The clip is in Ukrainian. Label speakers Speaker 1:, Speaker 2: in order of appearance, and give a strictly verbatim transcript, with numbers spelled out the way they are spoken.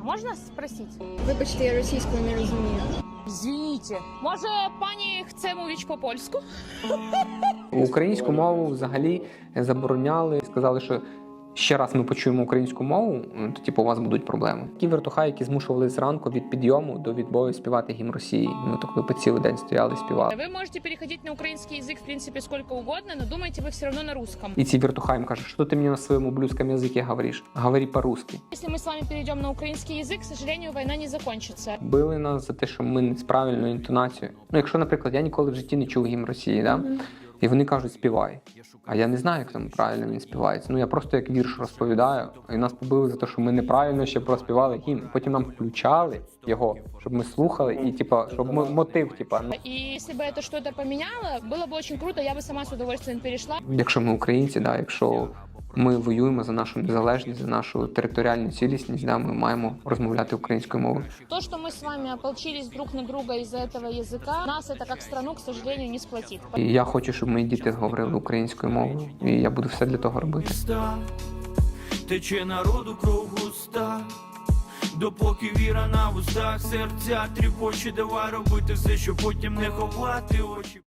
Speaker 1: Можна спросити?
Speaker 2: Вибачте, я російською не розумію.
Speaker 1: Звініть. Може, пані хоче мовити по-польську?
Speaker 3: Українську мову взагалі забороняли, сказали, що ще раз ми почуємо українську мову, то типу у вас будуть проблеми. Ті вертухаї, які змушували зранку від підйому до відбою співати гімн Росії. Ми так ви по цілий день стояли, співали.
Speaker 1: Вы можете переходить на украинский язык, в принципе, сколько угодно, но думаете вы все равно на русском.
Speaker 3: І ці вертухаї їм кажуть, що ти мені на своєму блюзькому язикі говориш? Говори по-русски.
Speaker 1: Если мы с вами перейдем на украинский язык, к сожалению, война не закончится.
Speaker 3: Били нас за те, що ми не з правильною інтонацією. Ну, якщо, наприклад, я ніколи в житті не чув гімн Росії, да? І вони кажуть, співай. А я не знаю, як там правильно він співається. Ну, я просто як вірш розповідаю, і нас побили за те, що ми неправильно ще проспівали гімн. Потім нам включали його, щоб ми слухали, і, типа, щоб ми мотив, типа.
Speaker 1: И если бы это что-то поменяло, было бы очень круто, я бы сама с удовольствием перешла.
Speaker 3: Якщо ми українці, да, якщо ми воюємо за нашу незалежність, за нашу територіальну цілісність, да, ми маємо розмовляти українською мовою.
Speaker 1: То, что мы с вами ополчились друг на друга из-за этого языка, нас это как страну, к сожалению, не сплотит.
Speaker 3: І я хочу, щоб мої діти говорили українською мовою, і я буду все для того робити.
Speaker 4: Тече народу кров густа, допоки віра на вустах, серця тріпоче, давай робити все, щоб потім не ховати очі.